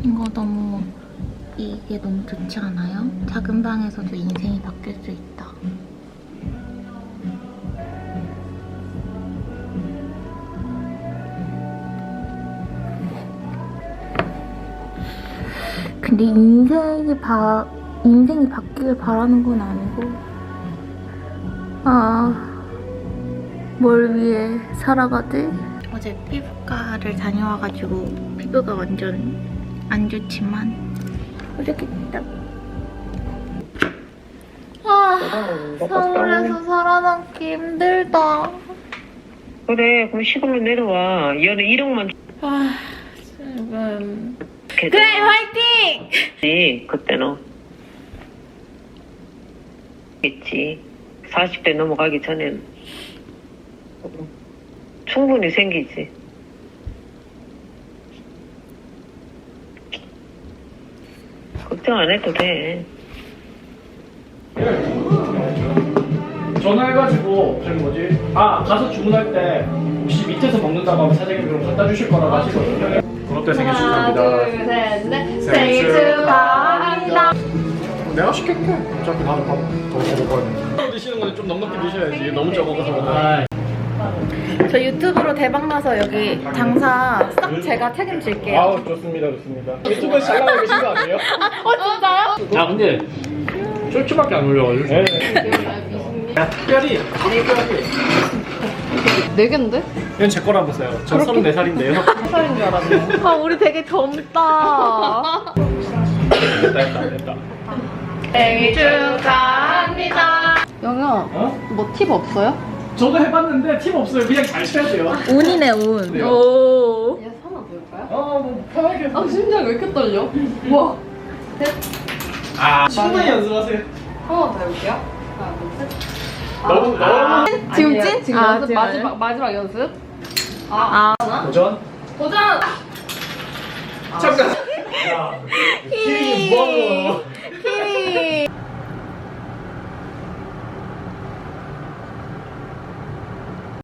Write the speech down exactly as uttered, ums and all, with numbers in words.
이거 너무 이게 너무 좋지 않아요? 작은 방에서도 인생이 바뀔 수 있다. 근데 인생이 바 인생이 바뀌길 바라는 건 아니고, 아, 뭘 위해 살아가지? 어제 피부과를 다녀와가지고 피부가 완전 안 좋지만 이렇게 됐다. 아, 서울에서 살아남기 힘들다. 그래, 그럼 시골로 내려와. 연애 일억만 아, 지금. 그래, 화이팅! 지 그때는 있지. 사십 대 넘어가기 전엔 충분히 생기지. 걱정 안 해도 돼. 전화해가지고 저기 뭐지? 아 가서 주문할 때 혹시 밑에서 먹는다고 하면 사장님이 그럼 갖다 주실 거라고 하시거든요. 그것 때 생일 축하합니다. 하나, 둘, 셋, 넷. 생일 생일 축하합니다. 내가 시킬게. 어차피 나도 밥 더 먹을 거야. 드시는 건데 좀 넉넉히 드셔야지. 너무 적어서. 저 유튜브로 대박 나서 여기 장사 싹 제가 책임질게요. 아우 좋습니다, 좋습니다. 유튜브에서 잘 나가고 계신 거 아니에요? 어 진짜요? 아 근데 쫄쫄밖에 안 올려가지고. 네. 야, 특별히 특별히. 네 개인데? 이건 제 거라고 써요. 저 서른네 살인데요. 한 살인 줄 알았네. 아 우리 되게 젊다. 됐다, 됐다, 됐다. 생일 축하합니다. 영현, 어? 뭐 팁 없어요? 저도 해봤는데 팁 없어요. 그냥 잘 쳐야 돼요. 운이네, 운. 그래요? 오. 얘 하나 넣을까요? 어, 뭐 편하게. 아 심장 왜 이렇게 떨려? 와. 아, 충분히 연습하세요. 하나 더 해볼게요. 하나, 둘, 셋. 너무 너무 지금 찐? 지금 아, 연습? 지금 마지막, 마지막 연습? 아, 도전. 도전! 잠깐. 야, 키링이 뭐하는